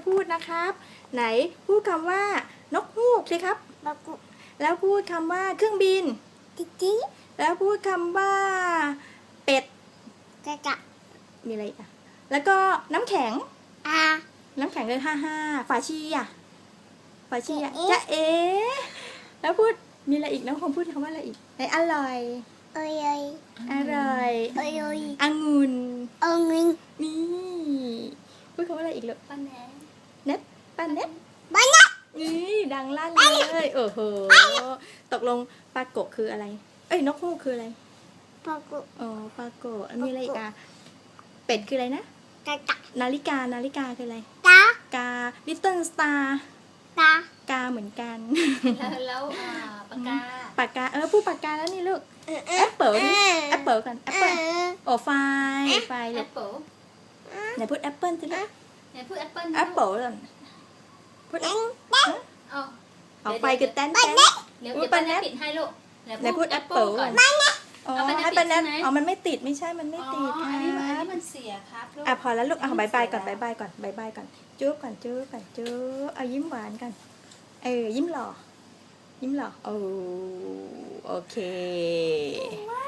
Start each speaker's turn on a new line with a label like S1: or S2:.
S1: พูดนะครับไหนพูดคำว่านกฮูกสิครับแล้วพูดคำว่าเครื่องบินจิ๊กแล้วพูดคำว่าเป็ดจะมีอะไรอีกอ่ะแล้วก็น้ำแข็งน้ำแข็งเลย5 5ฝาชีอ่ะจะแล้วพูดมีอะไรอีกน้องคงพูดคำว่าอะไรอีกไหนอร่อยอร่อยองุ่นนี่พูดคำว่าอะไรอีกลูกป้าเน็ตนี่ดังลั่นเลยโอ้โหตกลงปลาโกะคืออะไรเอ้ยนกฮูกคืออะไรปลาโกะมีอะไรอีกอ่ะเป็ดคืออะไรนะนาฬิกาคืออะไรกาลิตเติ้ลสตาร์กาเหมือนกัน
S2: แล้วปากกา
S1: พูดปากกาแล้วนี่ลูกแอปเปิลกันแอปเปิลโอ้ไฟ
S2: แอปเปิล
S1: ไหนพูดแอปเปิลสิลูก
S2: ไหนพูดแอปเปิล
S1: แอปเปิลก่อนพูดเอาไปกับแตน
S2: เดี๋ยวป้าแนทปิดให้ลูก
S1: ไหนพูดแอปเปิลก่อนให้ป้าแนทมันไม่ติดไม่ใช่มันไม่ติด
S2: อันนี้มันเสียครับลูก
S1: พอแล้วลูกบายบายก่อนจุ๊บก่อนเอายิ้มหวานกันยิ้มหล่อโอเค